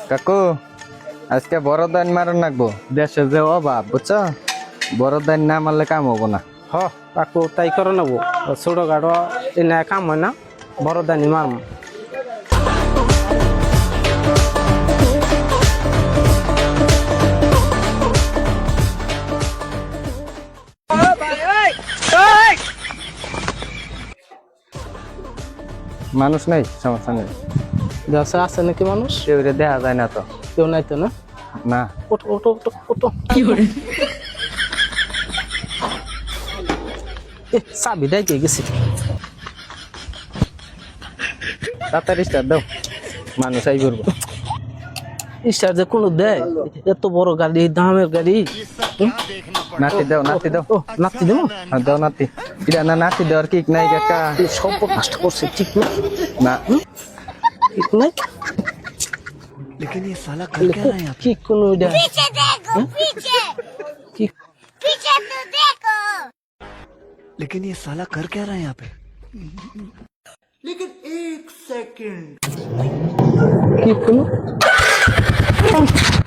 কাকু আজকে বড় দান মারন লাগবো, দেশে যে অভাব বুঝছো, বড় দান না মারলে কাম হবো না। হ কাকু তাই করে নেবো, ছোট গাড়ো এনে কাম হয় না, বড় দানি মারম। মানুষ নেই, সমস্যা নেই, দেশে আছে নাকি মানুষ? কেউ রে দেখা যায় না তো। কেউ নাই তো না? না ওটো ওটো ওটো ওটো কি করে চাবি দেয় কে গেছি? তাড়াতাড়ি স্টার্ট দাও, মানুষ আই করবো। স্টার যে কোনো দেয়? এত বড় গাড়ি, দামের গাড়ি। নাতি দাও, নাতি দাও। ও নাতি দেবো? হ্যাঁ, দাও নাতি। এটা না নাতি দেওয়ার কিক নাই কাকা। সব নষ্ট করছে, ঠিক না? না ঠিক নাই लेकिन ये साला कर क्या रहा है यहाँ पे? কি কোন ওইটা पीछे देखो पीछे কি पीछे तो देखो लेकिन ये साला कर क्या रहा है यहाँ पे? কি কোন